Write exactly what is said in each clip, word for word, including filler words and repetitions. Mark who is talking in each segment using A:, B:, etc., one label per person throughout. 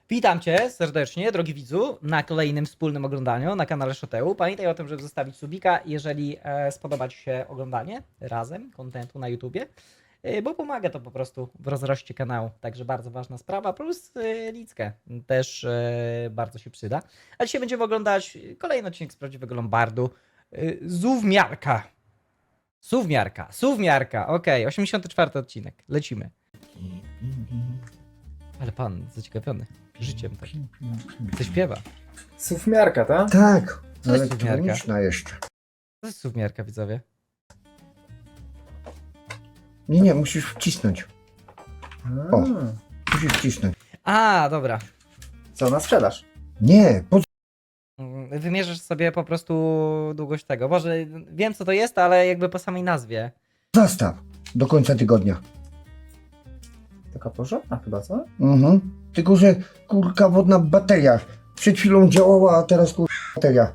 A: Witam Cię serdecznie, drogi widzu, na kolejnym wspólnym oglądaniu na kanale Shoteu. Pamiętaj o tym, żeby zostawić subika, jeżeli e, spodoba Ci się oglądanie razem kontentu na YouTubie, e, bo pomaga to po prostu w rozroście kanału. Także bardzo ważna sprawa, plus e, lickę też e, bardzo się przyda. A dzisiaj będziemy oglądać kolejny odcinek z prawdziwego Lombardu. E, Suwmiarka. Suwmiarka, Suwmiarka, okej, osiemdziesiąty czwarty odcinek, lecimy. Ale pan zaciekawiony życiem tak. Co śpiewa?
B: Sufmiarka, tak?
C: Tak,
A: Co jest
C: elektroniczna jeszcze.
A: To jest suwmiarka, widzowie.
C: Nie, nie, musisz wcisnąć.
B: A,
C: O. Musisz wcisnąć.
A: A, dobra.
B: Co, na sprzedaż?
C: Nie, po
A: Mm, Wymierzysz sobie po prostu długość tego. Boże, wiem co to jest, ale jakby po samej nazwie.
C: zastaw do końca tygodnia.
B: Taka porządna chyba, co?
C: Mhm. Tylko, że kurka wodna bateria. Przed chwilą działała, a teraz kurka bateria.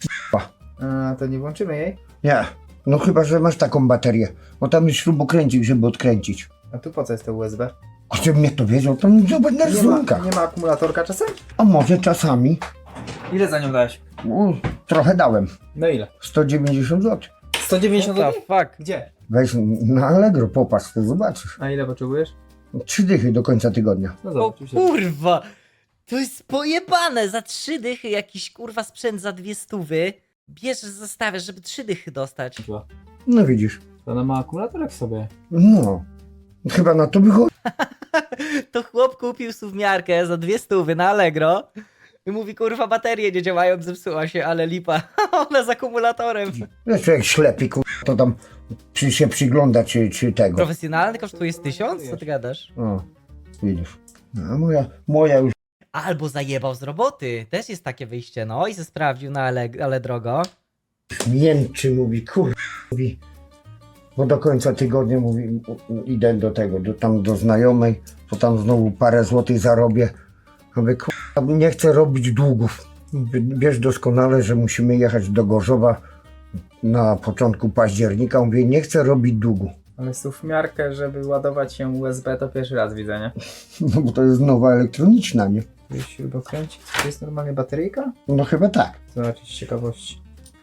B: A, to nie włączymy jej?
C: Nie, no chyba, że masz taką baterię. Bo tam jest śrubokręcik, żeby odkręcić.
B: A tu po co jest to U S B?
C: A żebym mnie to wiedział, to mi zobacz na
B: Nie ma,
C: rysunkach.
B: nie ma akumulatorka czasem?
C: A może czasami.
B: Ile za nią dałeś?
C: U, trochę dałem.
B: No ile?
C: sto dziewięćdziesiąt złotych.
B: sto dziewięćdziesiąt
A: What the
B: złotych?
A: fuck?
B: Gdzie?
C: Weź na Allegro, popatrz, to zobaczysz.
B: A ile potrzebujesz?
C: Trzy dychy do końca tygodnia.
B: No
A: O
B: zobacz. już jest.
A: kurwa! To jest pojebane! Za trzy dychy jakiś kurwa sprzęt za dwie stówy. Bierzesz, zostawiasz, żeby trzy dychy dostać.
C: No widzisz.
B: To ona ma akumulatorek w sobie.
C: No. Chyba na to wychodzi.
A: To chłop kupił suwmiarkę za dwie stówy na Allegro. I mówi, kurwa, baterie nie działają, zepsuła się, ale lipa. Ona z akumulatorem.
C: Wiesz, człowiek ślepy, kur... to tam czy się przygląda, czy, czy tego.
A: Profesjonalny kosztuje z tysiąc? Co ty gadasz?
C: O, widzisz. A moja, moja już.
A: Albo zajebał z roboty. Też jest takie wyjście, no i se sprawdził, no ale, ale drogo.
C: Mięczy, mówi, kur... mówi. Bo do końca tygodnia mówi, u- u- idę do tego, do, tam do znajomej, to tam znowu parę złotych zarobię. Mówię, kur... nie chcę robić długów. Mówię, wiesz doskonale, że musimy jechać do Gorzowa na początku października. Mówię, nie chcę robić długu.
B: Ale sufmiarkę, żeby ładować się U S B, to pierwszy raz widzę, nie?
C: No bo to jest nowa elektroniczna, nie?
B: Tu jest śrubokręcik. To jest normalnie bateryjka?
C: No chyba tak.
B: Zobaczyć z ciekawości.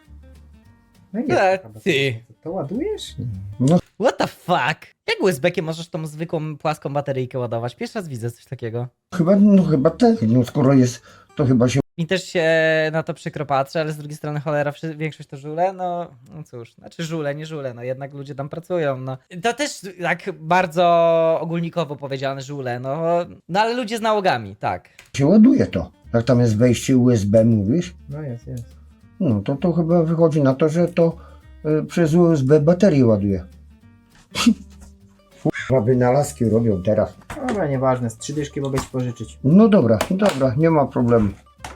B: No i
A: E,
B: jest taka bateryjka.
A: ty.
B: To ładujesz?
C: No
A: What the fuck? Jak U S B-kiem możesz tą zwykłą, płaską bateryjkę ładować? Pierwszy raz widzę coś takiego.
C: chyba, no chyba tak. No skoro jest, to chyba się
A: Mi też się na to przykro patrzy, ale z drugiej strony cholera, wszy- większość to żule, no, no cóż, znaczy żule, nie żule, no jednak ludzie tam pracują, no. To też tak bardzo ogólnikowo powiedziane żule, no, no ale ludzie z nałogami, tak.
C: się ładuje to. Jak tam jest wejście U S B, mówisz?
B: No jest, jest.
C: No to to chyba wychodzi na to, że to y, przez U S B baterię ładuje. Chyba wynalazki robią teraz.
B: Dobra, nieważne, z trzy dyszki mogę ci pożyczyć.
C: No dobra, dobra, nie ma problemu.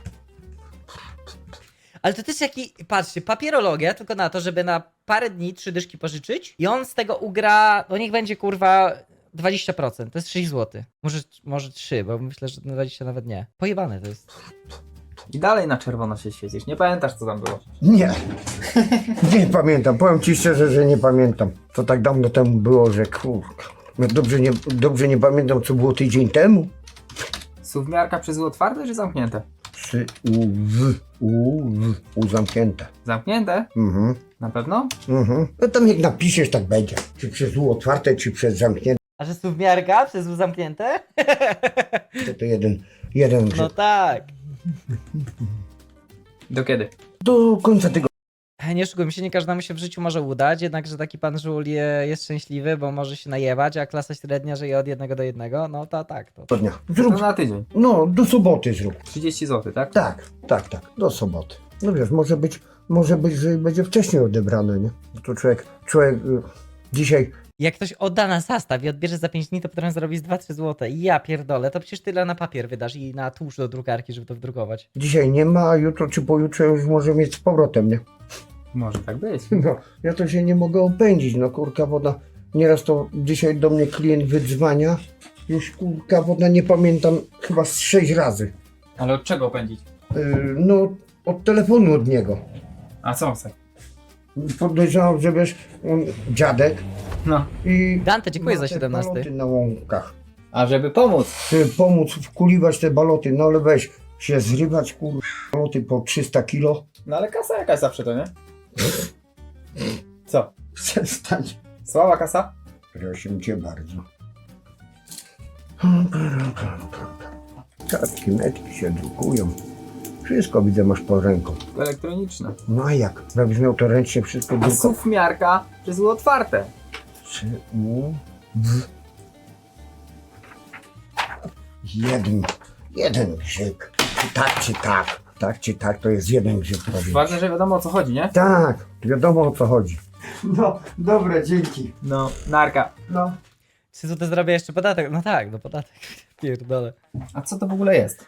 A: Ale to też jaki, patrzcie, papierologia tylko na to, żeby na parę dni trzy dyszki pożyczyć i on z tego ugra, no niech będzie kurwa dwadzieścia procent, to jest sześć złotych. Może, może trzy, bo myślę, że dwadzieścia nawet nie. Pojebane to jest.
B: I dalej na czerwono się świecisz. Nie pamiętasz, co tam było.
C: Nie, nie pamiętam. Powiem ci szczerze, że nie pamiętam. To tak dawno temu było, że kurka. No dobrze nie, dobrze nie pamiętam, co było tydzień temu.
B: Suwmiarka przez U otwarte czy zamknięte?
C: Przy U, w, U, w, U zamknięte.
B: Zamknięte?
C: Mhm,
B: Na pewno?
C: mhm. No tam jak napiszesz, tak będzie. Czy przez U otwarte, czy przez zamknięte,
A: A że suwmiarka przez U zamknięte?
C: to, to jeden, jeden
A: No
C: grzech.
A: tak.
B: Do kiedy?
C: Do końca tego.
A: Nie oszukujmy się, nie każdemu się w życiu może udać, jednakże taki pan żul je- jest szczęśliwy, bo może się najewać, a klasa średnia żyje od jednego do jednego, no to tak. To.
C: dnia.
B: To
C: Zrób,
B: na tydzień.
C: no, do soboty zrób.
B: trzydzieści złotych, tak?
C: Tak, tak, tak, do soboty. No wiesz, może być, może być, że będzie wcześniej odebrane, nie? No to człowiek, człowiek y, dzisiaj,
A: Jak ktoś odda na zastaw i odbierze za pięć dni, to potem zrobi z dwa trzy złote. I ja pierdolę, to przecież tyle na papier wydasz i na tłuszcz do drukarki, żeby to wdrukować.
C: dzisiaj nie ma, a jutro czy pojutrze już może mieć z powrotem, nie?
B: Może tak być.
C: No, ja to się nie mogę opędzić, no kurka woda. Nieraz to dzisiaj do mnie klient wydzwania, już kurka woda nie pamiętam, chyba z sześć razy.
B: Ale od czego pędzić?
C: Yy, no, od telefonu od niego.
B: A co chce?
C: Podejrzewam, że wiesz, on dziadek
B: No.
C: i...
A: Dante, dziękuję
C: ma
A: za
C: te
A: siedemnasty.
C: paloty na łąkach.
B: A żeby pomóc.
C: Żeby pomóc wkuliwać te baloty, no ale weź się zrywać kur... baloty po trzysta kilo.
B: No ale kasa jakaś zawsze to, nie? Co?
C: Przestań.
B: Słaba kasa?
C: Proszę cię bardzo. Kartki, metki się drukują. Wszystko widzę masz pod ręką.
B: Elektroniczne.
C: No a jak? Jakbyś miał to ręcznie wszystko
B: A
C: drukować.
B: sufmiarka, że było otwarte.
C: Czy u w jeden, jeden grzyb. Czy tak, czy tak. Tak, czy tak, to jest jeden grzyb. powiem.
B: Ważne, że wiadomo o co chodzi, nie?
C: Tak, wiadomo o co chodzi. No, dobre, dzięki.
B: No, narka.
C: No.
A: Czy tutaj zrobię jeszcze podatek? No tak, no podatek. Pierdolę.
B: A co to w ogóle jest?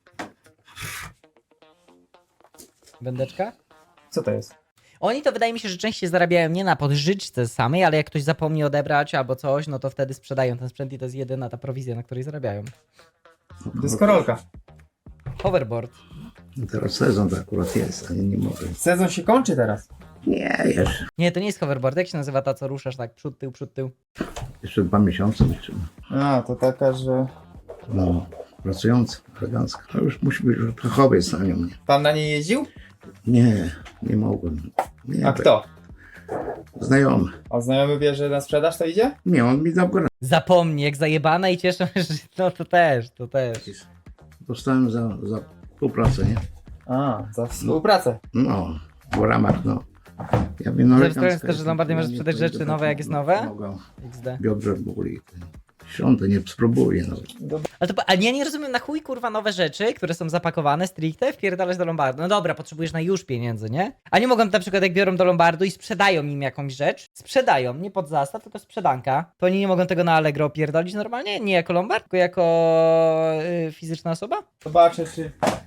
A: Wędeczka?
B: Co to jest?
A: Oni to wydaje mi się, że częściej zarabiają nie na podżyczce samej, ale jak ktoś zapomni odebrać albo coś, no to wtedy sprzedają ten sprzęt i to jest jedyna ta prowizja, na której zarabiają.
B: Dyskorolka.
A: Hoverboard.
D: No teraz sezon to akurat jest, ale nie mogę.
B: Sezon się kończy teraz.
D: Nie, jeszcze,
A: Nie, to nie jest hoverboard. Jak się nazywa ta, co ruszasz tak przód, tył, przód, tył?
D: jeszcze dwa miesiące jeszcze.
B: A, to taka, że...
D: No, pracująca, elegancka. To już musi być już fachowiec na nią. Nie,
B: Pan na niej jeździł?
D: nie, nie mogłem. Nie,
B: A kto?
D: Znajomy.
B: A znajomy wie, że na sprzedaż to idzie?
D: Nie, on mi dał grę.
A: Zapomnij, jak zajebana i cieszę się, że no to też, to też.
D: Dostałem za, za współpracę, nie?
B: A, za współpracę.
D: No, w ramach, no. Ja wiem, no,
A: Ze
D: elegancka
A: względu, że
D: jest,
A: Lombardia
D: ja
A: może
D: nie
A: sprzedać
D: pojedę
A: rzeczy
D: tak,
A: nowe, jak jest
D: no,
A: nowe?
D: Mogę.
A: iks de.
D: Biodrze boli. Świąte nie spróbuję nawet.
A: Ale to, ale ja nie rozumiem, na chuj kurwa nowe rzeczy, które są zapakowane stricte, wpierdalać do Lombardu. No dobra, potrzebujesz na już pieniędzy, nie? A nie mogą na przykład jak biorą do Lombardu i sprzedają im jakąś rzecz, sprzedają, nie pod zastaw, tylko sprzedanka, to oni nie mogą tego na Allegro pierdolić normalnie? Nie jako Lombard, tylko jako yy, fizyczna osoba?
B: Zobaczę, czy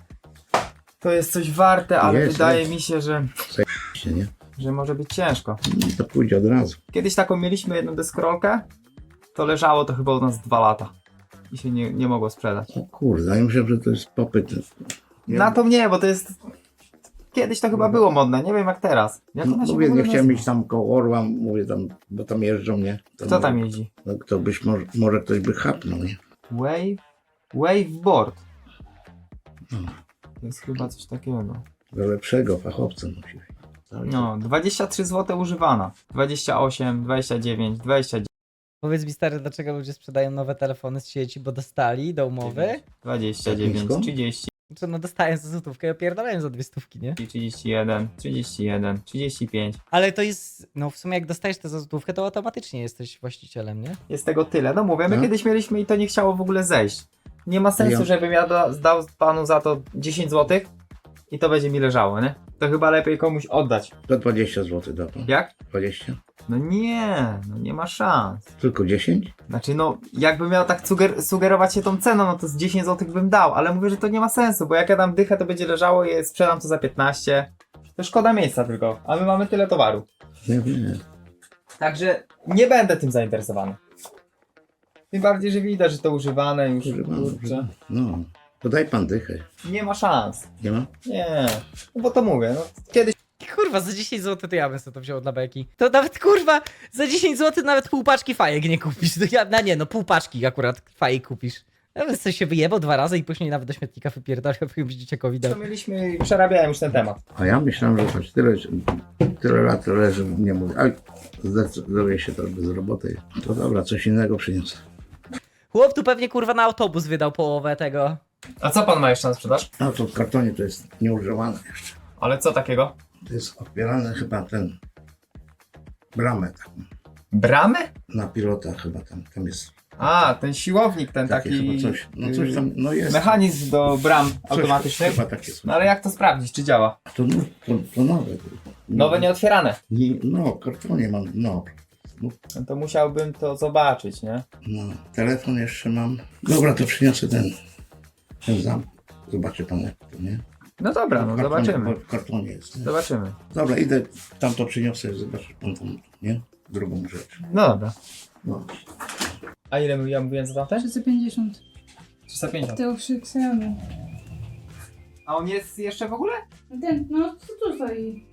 B: to jest coś warte, ale
D: Jest,
B: wydaje
D: jest.
B: mi się, że,
D: Się, nie?
B: że może być ciężko.
D: No, to pójdzie od razu.
B: Kiedyś taką mieliśmy jedną deskorolkę, to leżało to chyba u nas dwa lata i się nie, nie mogło sprzedać.
D: O kurde, ja myślę, że to jest popyt. Nie,
B: Na to nie, bo to jest... Kiedyś to chyba było modne, nie wiem jak teraz. Jak ona się
D: Mówię,
B: w ogóle
D: nie chciałem
B: nazywa?
D: iść tam koło Orła, mówię tam, bo tam jeżdżą, nie? To
B: Kto tam
D: może-
B: jeździ?
D: No kto byś, może, może ktoś by chapnął, nie?
B: Wave? Waveboard.
D: No,
B: To jest chyba coś takiego.
D: do lepszego fachowca musi być. Tak?
B: No, dwadzieścia trzy złote używana. dwadzieścia osiem, dwadzieścia dziewięć, dwadzieścia dziewięć,
A: Powiedz mi stary, dlaczego ludzie sprzedają nowe telefony z sieci, bo dostali do umowy?
B: dwadzieścia dziewięć,
D: Nisko?
B: trzydzieści,
A: Czy no dostają za złotówkę i opierdalają za dwie stówki, nie?
B: trzydzieści jeden, trzydzieści jeden, trzydzieści pięć.
A: Ale to jest, no w sumie jak dostajesz tę za złotówkę, to automatycznie jesteś właścicielem, nie?
B: Jest tego tyle. No mówię, my
D: No.
B: kiedyś mieliśmy i to nie chciało w ogóle zejść. Nie ma sensu,
D: Ja-
B: żebym ja da, dał panu za to dziesięć złotych i to będzie mi leżało, nie? To chyba lepiej komuś oddać.
D: Za dwadzieścia złotych da pan.
B: Jak?
D: dwadzieścia?
B: No nie, no nie ma szans.
D: Tylko dziesięć?
B: Znaczy no, jakbym miał tak suger sugerować się tą ceną, no to z dziesięć złotych bym dał, ale mówię, że to nie ma sensu, bo jak ja dam dychę, to będzie leżało i sprzedam to za piętnaście. To szkoda miejsca tylko, a my mamy tyle towaru.
D: Nie wiem.
B: Także nie będę tym zainteresowany. Tym bardziej, że widać, że to używane już,
D: Używam,
B: kurczę.
D: używam. No, to daj pan dychę.
B: Nie ma szans.
D: Nie ma?
B: Nie, no bo to mówię, no kiedyś
A: Kurwa, za dziesięć złotych to ja bym sobie to wziął dla beki. To nawet kurwa, za dziesięć złotych nawet pół paczki fajek nie kupisz. To ja, no nie, no pół paczki akurat fajek kupisz. Ja bym sobie się wyjebał dwa razy i później nawet do śmietnika wypierdolił, jakimś dzieciakowi dał.
B: to mieliśmy i przerabiałem już ten temat.
D: A ja myślałem, że choć tyle, tyle lat leży, nie mówię. Aj, zdecyduje się to bez roboty. To dobra, coś innego przyniosę.
A: Chłop tu pewnie kurwa na autobus wydał połowę tego.
B: A co pan ma jeszcze na sprzedaż?
D: A to w kartonie to jest nieużywane jeszcze.
B: Ale co takiego?
D: To jest odbierane chyba ten bramę taką.
B: Bramy?
D: Na pilota chyba tam, tam jest
B: A, ten siłownik, ten
D: takie
B: taki...
D: chyba coś. No coś tam, no jest.
B: Mechanizm do bram
D: Coś
B: automatycznych.
D: Chyba takie są.
B: No ale jak to sprawdzić, czy działa?
D: To, no, to, to nowe.
B: Nowe nieotwierane.
D: Nie, no, kartonie mam, no. No,
B: No to musiałbym to zobaczyć, nie?
D: no. Telefon jeszcze mam. Dobra, to przyniosę ten, ten zamk. Zobaczy pan jak to, nie?
B: No dobra, no
D: W kartonie-
B: zobaczymy.
D: W kartonie jest, nie?
B: Zobaczymy.
D: Dobra, idę, tam to przyniosę, zobaczysz pan tam, nie? Drugą rzecz.
B: No dobra.
D: No.
B: A ile ja mówiłem za tamten?
E: trzysta pięćdziesiąt.
B: trzysta pięćdziesiąt.
E: Tył przy Xiaomi.
B: A on jest jeszcze w ogóle?
E: Ten, no co tu stoi?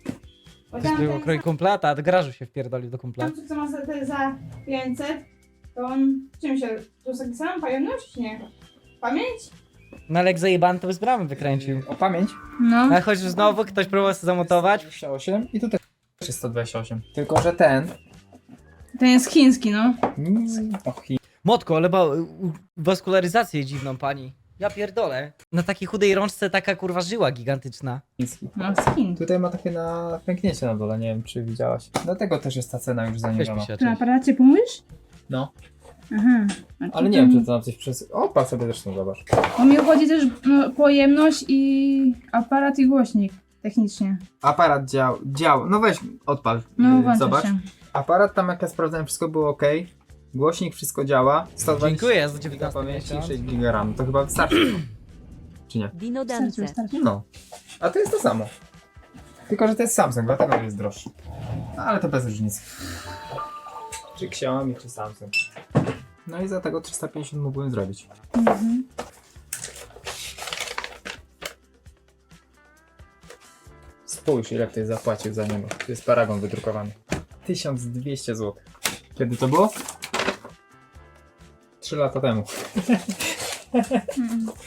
E: Bo
A: To było kroj kumplata, a do garażu się wpierdolił do kumpla.
E: tam co ma za, te za pięćset, To on, czym się, to jest taki sam, pojemność? Nie. Pamięć?
A: No ale jak zajebany to by z bramy wykręcił.
B: O pamięć.
E: No.
A: A choć znowu ktoś próbował sobie zamontować.
B: sto dwadzieścia osiem i tutaj jest sto dwadzieścia osiem. Tylko, że ten...
E: Ten jest chiński, no.
B: Mm, och, i-
A: Motko, ale ma u- waskularyzację dziwną pani. Ja pierdolę. Na takiej chudej rączce taka kurwa żyła gigantyczna.
B: chiński.
E: No, z Chin.
B: Tutaj ma takie na pęknięcie na dole, nie wiem czy widziałaś. Dlatego też jest ta cena już
A: Weź
B: zaniżona.
A: mi się,
E: Ty na
A: cześć.
E: aparacie pomówisz?
B: No,
E: Aha. A to
B: ale nie wiem
E: tam-
B: czy to nam coś przez... O, patrz sobie zresztą, zobacz.
E: Bo mi chodzi też no, pojemność i aparat i głośnik. Technicznie.
B: Aparat dział, dział, no weź odpal,
E: No,
B: yy,
E: włączę
B: zobacz.
E: się.
B: Aparat tam jak ja sprawdzałem wszystko było ok. Głośnik wszystko działa. sto dwadzieścia
A: Dziękuję za
B: giga
A: dziewiętnasty
B: pamięci,
A: miesiąc.
B: sześć giga RAM. To chyba wystarczy. Czy nie?
F: Dino
E: Wystarczy,
F: Dance.
E: wystarczy.
B: No. A to jest to samo. Tylko, że to jest Samsung, dlatego jest droższy. No, ale to bez różnicy. Czy Xiaomi, czy Samsung. No i za tego trzysta pięćdziesiąt mógłbym zrobić.
E: Mhm.
B: Spójrz, ile ktoś zapłacił za niego. Tu jest paragon wydrukowany. tysiąc dwieście złotych. Kiedy to było? trzy lata temu.
E: Mhm.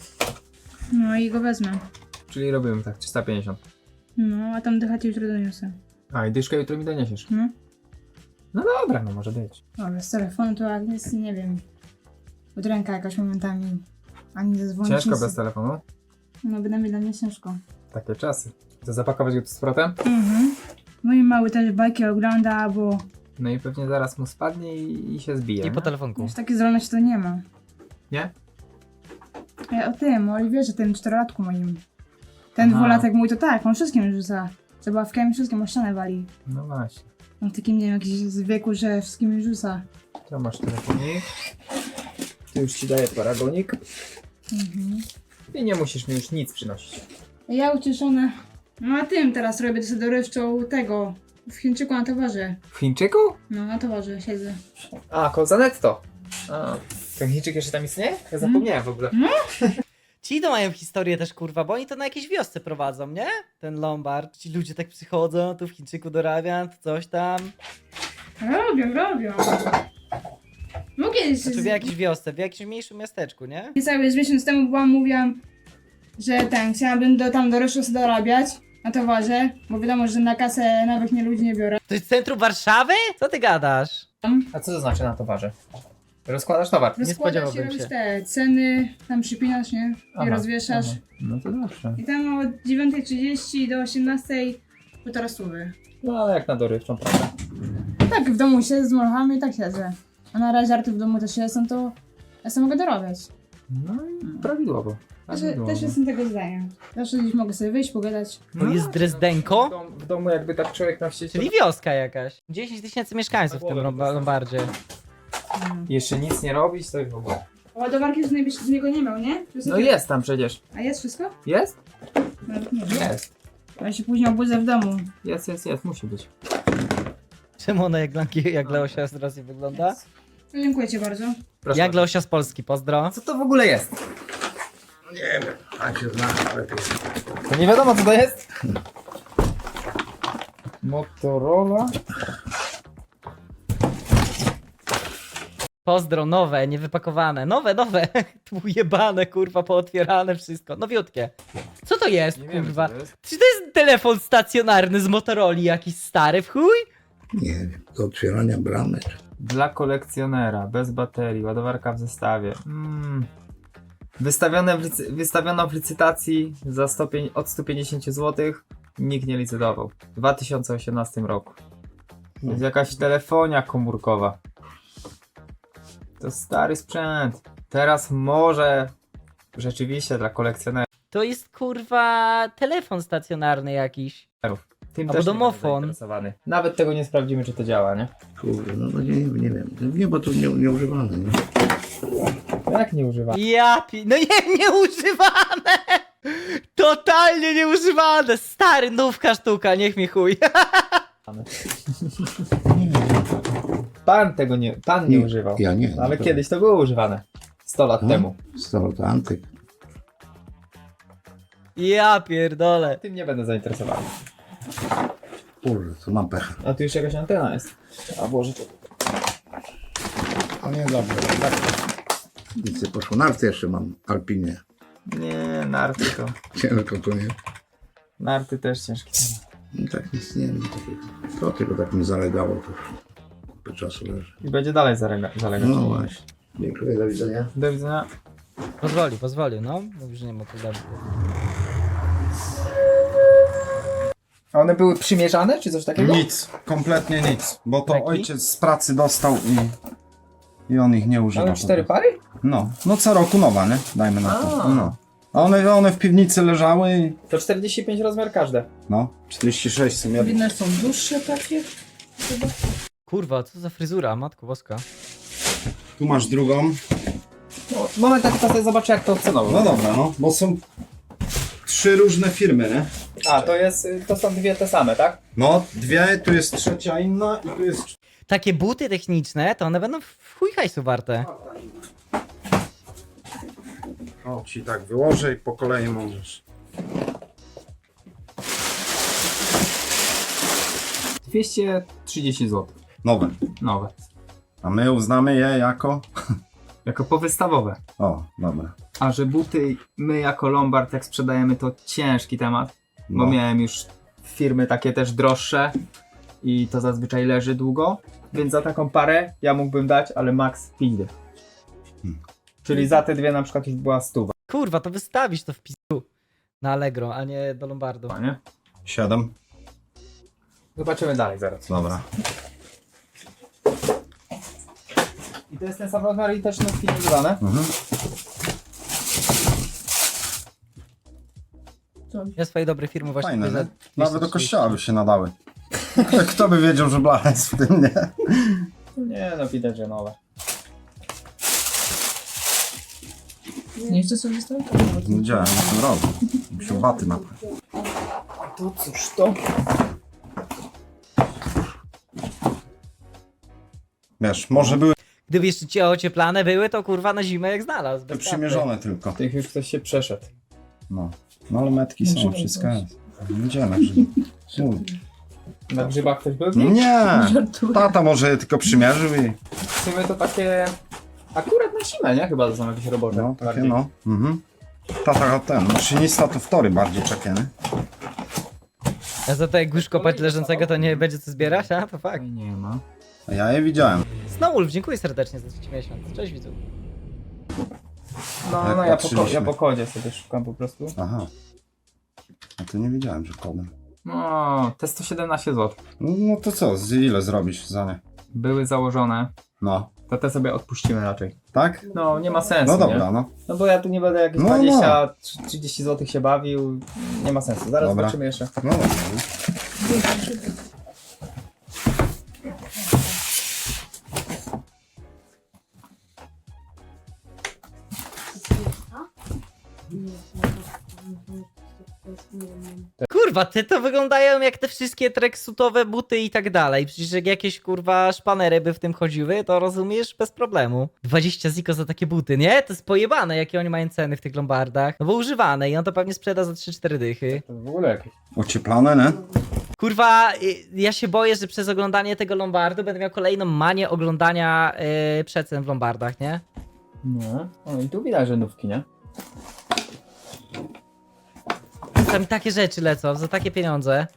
E: No i go wezmę.
B: Czyli robiłem tak, trzysta pięćdziesiąt.
E: No, a tam dychać jutro doniosę.
B: A, i dyszkę jutro mi doniesiesz.
E: No.
B: No dobra, no może być.
E: No, bez telefonu to jak jest, nie wiem. Od ręka jakaś momentami. Ani zadzwonić.
B: Ciężko
E: nic.
B: bez telefonu.
E: No, by dla mnie ciężko.
B: Takie czasy. To zapakować go tu z powrotem?
E: Mhm. Mój mały też bajki ogląda, bo
B: No i pewnie zaraz mu spadnie i, i się zbije.
A: I po
B: nie?
A: telefonku.
E: już takie zdolności to nie ma.
B: Nie?
E: Ja o tym, o Oliwierze, tym czterolatku moim. Ten
B: Aha.
E: dwulatek mój to tak, on wszystkim rzuca. Zabawkami wszystkim o ścianę wali.
B: No właśnie.
E: On w takim, nie wiem, jakiś z wieku, że wszystkim rzuca.
B: To masz telefonik. Tu już ci daję paragonik.
E: Mhm.
B: I nie musisz mi już nic przynosić.
E: Ja ucieszona. No a tym teraz robię to sobie dorywczą tego. W Chińczyku na towarze.
B: W Chińczyku?
E: No, na towarze siedzę.
B: A, koza netto. A, ten Chińczyk jeszcze tam istnieje? Ja zapomniałem w ogóle.
A: Ci to mają historię też kurwa, bo oni to na jakiejś wiosce prowadzą, nie? Ten Lombard. Ci ludzie tak przychodzą, tu w Chińczyku dorabiam, tu coś tam.
E: Robią, robią. No kiedyś,
A: Znaczy w jakiejś wiosce, w jakimś mniejszym miasteczku, nie?
E: cały z miesiąc temu byłam, mówiłam, że ten, chciałabym do, tam do Rosji dorabiać na towarze, bo wiadomo, że na kasę nawet nie ludzi nie biorę.
A: To jest centrum Warszawy? Co ty gadasz?
B: A co to znaczy na towarze? Rozkładasz towar.
A: Nie
E: Rozkładasz i
A: spodziewałbym
E: robisz
A: się.
E: te ceny, tam przypinasz, nie? I
B: Aha,
E: rozwieszasz.
B: aha. No to dobrze.
E: I tam od dziewiątej trzydzieści do osiemnastej półtora stówy.
B: No ale jak na dorywczą, prawda?
E: Tak, w domu siedzę z molchami i tak siedzę. A na razie żarty w domu też jestem, to ja sobie mogę dorobiać.
B: No i prawidłowo.
E: Też,
B: prawidłowo.
E: też jestem tego zdania. Zawsze gdzieś mogę sobie wyjść, pogadać.
A: To jest Drezdenko?
B: W, dom, w domu jakby tak człowiek miał chcieć...
A: Czyli wioska jakaś. dziesięć tysięcy mieszkańców w tym Lomba- Lombardzie.
E: Mm.
B: Jeszcze nic nie robić, to już w ogóle.
E: Ładowarki już najbliżej z niego nie miał, nie? Czy
B: No jest tam przecież.
E: A jest wszystko?
B: Jest?
E: Nawet nie wiem.
B: Jest.
E: Ja się później obudzę w domu.
B: Jest, jest, jest, musi być.
A: Czemu ona jak, dla- jak Leosia z Rosji wygląda?
E: No, dziękuję ci bardzo.
B: Proszę
A: Jak
B: bardzo.
A: Leosia z Polski, pozdro.
B: Co to w ogóle jest?
D: Nie wiem, a się zna lepiej.
B: To nie wiadomo co to jest? Motorola.
A: Pozdro, nowe, niewypakowane. Nowe, nowe. Tu jebane, kurwa, pootwierane wszystko. Nowiutkie. Co to jest,
B: Nie wiem,
A: kurwa?
B: co to jest.
A: Czy to jest telefon stacjonarny z Motorola jakiś stary w chuj?
D: Nie wiem, do otwierania bramy. czy-
B: Dla kolekcjonera, bez baterii, ładowarka w zestawie. Mm. Wystawione w licy- wystawiono w licytacji za sto pię- od stu pięćdziesięciu złotych. Nikt nie licytował. W dwa tysiące osiemnastym roku. To jest jakaś telefonia komórkowa. To stary sprzęt. Teraz może rzeczywiście dla kolekcjonera.
A: To jest, kurwa, telefon stacjonarny jakiś.
B: Tym
A: Albo
B: też nie
A: domofon.
B: będę zainteresowany. Nawet tego nie sprawdzimy, czy to działa, nie?
D: Kurde, no, no nie, nie wiem. Nie, bo to nie, nieużywane, nie?
B: Jak nie używamy?
A: Ja pi... No nie, nieużywane! Totalnie nieużywane! Stary, nówka sztuka, niech mi chuj.
B: Pan tego nie, pan nie,
D: Nie,
B: używał.
D: ja nie,
B: Ale
D: to-
B: kiedyś to było używane. sto lat
D: No.
B: temu.
D: Staro to antyk.
A: Ja pierdolę.
B: Tym nie będę zainteresowany.
D: Kurde, to mam pecha.
B: A tu już jakaś antena jest. A Boże, to...
D: To nie dobrze. Tak. Nic nie poszło. Narty jeszcze mam, Alpinie.
B: Nie, narty to.
D: Ciężko to nie.
B: Narty też ciężkie.
D: No tak nic nie wiem takiego. To tylko tak mi zalegało, to już kupę czasu leży.
B: I będzie dalej zalega zalegać.
D: No właśnie. Dziękuję, do widzenia.
B: Do widzenia.
A: Pozwolił, pozwolił, no. Mówi, że nie ma problemu.
B: A one były przymierzane, czy coś takiego?
F: Nic, kompletnie nic, bo to
A: Taki?
F: ojciec z pracy dostał i, i on ich nie używa.
B: Mamy cztery
F: po prostu.
B: pary?
F: No, no co roku nowa, nie? Dajmy na to.
B: A.
F: No. A one, one w piwnicy leżały i
B: To czterdzieści pięć rozmiar każde.
F: no, czterdzieści sześć w sumie.
E: Powinny są dłuższe takie.
A: Kurwa, co za fryzura, matko boska.
F: Tu masz drugą.
B: No, moment, tak to sobie zobaczę jak to ocenowo.
F: No dobra, no, bo są trzy różne firmy, nie?
B: A, to jest, to są dwie te same, tak?
F: No, dwie, tu jest trzecia inna i tu jest...
A: Takie buty techniczne, to one będą w chuj hajsu warte.
F: O, ci tak wyłożę i po kolei możesz.
B: dwieście trzydzieści złotych.
F: Nowe.
B: Nowe.
F: A my uznamy je jako...
B: Jako powystawowe.
F: O, dobra.
B: A że buty my jako Lombard jak sprzedajemy to ciężki temat. Bo
F: No.
B: miałem już firmy takie też droższe i to zazwyczaj leży długo, więc za taką parę ja mógłbym dać, ale max pięć dych.
F: Hmm.
B: Czyli za te dwie na przykład już była stuwa,
A: Kurwa, to wystawić to w pisu na Allegro, a nie do Lombardu.
B: nie?
F: Siedem.
B: Zobaczymy dalej zaraz.
F: Dobra.
B: I to jest ten sam rozmiar i też nutki nie dodane.
F: Mhm.
A: Ja swojej dobrej firmy właśnie
F: Fajne,
A: za
F: nie? Nawet do
A: dwieście
F: kościoła by się nadały. Kto by wiedział, że blacha jest w tym, nie?
B: Nie no, widać, że nowe.
E: Nie jeszcze sobie zostały?
F: Nie wiedziałem, co tym robię. Musiał baty naprawić.
B: To cóż to?
F: Wiesz, może były
A: Gdyby jeszcze ci ocieplane były, to kurwa na zimę jak znalazł. bez
F: przymierzone tylko.
B: Tych już ktoś się przeszedł.
F: No. No ale metki są, wszystko jest. Gdzie na grzyb?
B: Na grzybach ktoś był?
F: Nie! Tata może je tylko przymierzył i...
B: W sumie to takie akurat na zimę, nie? Chyba to są jakieś robocze.
F: No, takie
B: bardziej.
F: no. Mhm. Tata ten, maszynista to wtory bardziej takie, nie?
A: A za to jak już kopać leżącego, to nie będzie co zbierać? A, to fakt.
B: Oj, nie ma.
F: A ja je widziałem.
A: Snowwolf, dziękuję serdecznie za trzeci miesiąc. Cześć widzu.
B: No,
F: Jak
B: no ja po, ko-
F: patrzyliśmy.
B: ja po kodzie sobie szukam po prostu.
F: Aha. A to nie wiedziałem, że kodem.
B: No, te sto siedemnaście złotych.
F: No, no to co, z ile zrobisz za nie?
B: Były założone,
F: No.
B: to te sobie odpuścimy raczej.
F: Tak?
B: No, nie ma sensu,
F: No dobra,
B: nie?
F: no.
B: No bo ja tu nie będę jakieś
F: No,
B: dwadzieścia trzydzieści złotych się bawił. Nie ma sensu. Zaraz
F: Dobra.
B: zobaczymy jeszcze.
F: No dobra.
A: Kurwa, te to wyglądają jak te wszystkie tracksuitowe buty i tak dalej. Przecież jak jakieś kurwa szpanery by w tym chodziły, to rozumiesz bez problemu. dwadzieścia ziko za takie buty, nie? To jest pojebane, jakie oni mają ceny w tych lombardach. No bo używane i on to pewnie sprzeda za trzy cztery dychy.
B: To w ogóle jakieś.
F: Ocieplane, nie?
A: Kurwa, y, ja się boję, że przez oglądanie tego lombardu będę miał kolejną manię oglądania yy, przecen w lombardach, nie?
B: No. O, i tu widać rzędówki, nie?
A: Tam takie rzeczy lecą za takie pieniądze.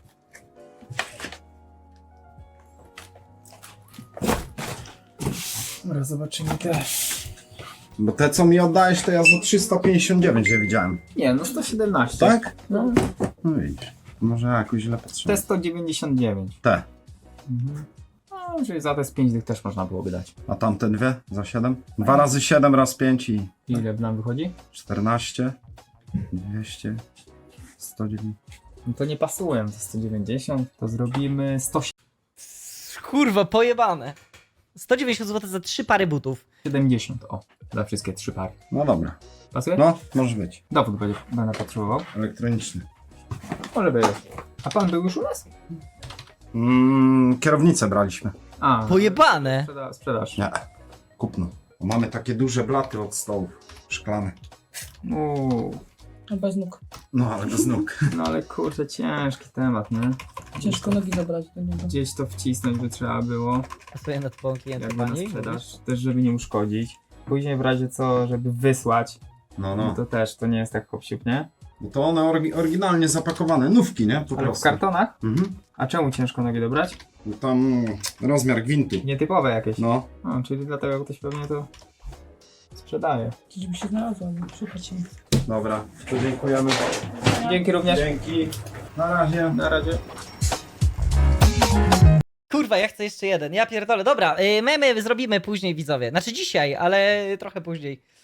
B: Dobra, zobaczymy te.
F: Bo te, co mi oddałeś, to ja za trzysta pięćdziesiąt dziewięć je widziałem.
B: Nie, no sto siedemnaście.
F: Tak?
B: No.
F: No widzisz. Może jakoś źle
B: Te
F: patrzyłem.
B: sto dziewięćdziesiąt dziewięć.
F: Te.
B: Mhm. No, czyli za te z pięć dych też można byłoby dać.
F: A tamte dwie? Za siedem? Dwa razy siedem, raz pięć i
B: Ile nam wychodzi?
F: czternaście. dwieście. sto dziewięć.
B: No to nie pasują, to sto dziewięćdziesiąt. To zrobimy sto
A: Kurwa, pojebane. sto dziewięćdziesiąt złotych za trzy pary butów.
B: siedemdziesiąt. O, za wszystkie trzy pary.
F: No dobra.
B: Pasuje?
F: No, może być.
B: Dowód będzie, będę potrzebował.
F: Elektroniczny.
B: Może być. A pan był już u nas?
F: Mm, kierownicę braliśmy.
B: A,
A: Pojebane.
B: sprzeda- sprzedaż.
F: Nie. Kupno. Bo mamy takie duże blaty od stołów. Szklane.
B: Uuu.
E: Bez nóg.
F: No ale bez nóg.
B: No ale kurczę, ciężki temat, nie?
G: Ciężko nogi dobrać do niego.
B: Gdzieś to wcisnąć by trzeba było,
A: Pasuje na twą klientę
B: jakby na
A: pani.
B: sprzedaż, też żeby nie uszkodzić. Później w razie co, żeby wysłać,
F: No,
B: no
F: no.
B: to też to nie jest tak hop-siup, nie?
F: Bo to one orgi- oryginalnie zapakowane, nówki, nie? Po
B: Ale w
F: prostu.
B: kartonach?
F: Mhm.
B: A czemu ciężko nogi dobrać?
F: No tam rozmiar gwintu.
B: Nietypowe jakieś.
F: No.
B: No, czyli dlatego ktoś pewnie to sprzedaje.
G: Żeby się znalazło, szukać im.
F: Dobra, to dziękujemy.
B: Dzięki również.
F: Dzięki. Na razie.
B: Na razie.
A: Kurwa, ja chcę jeszcze jeden. Ja pierdolę. Dobra, y, memy zrobimy później, widzowie. Znaczy dzisiaj, ale trochę później.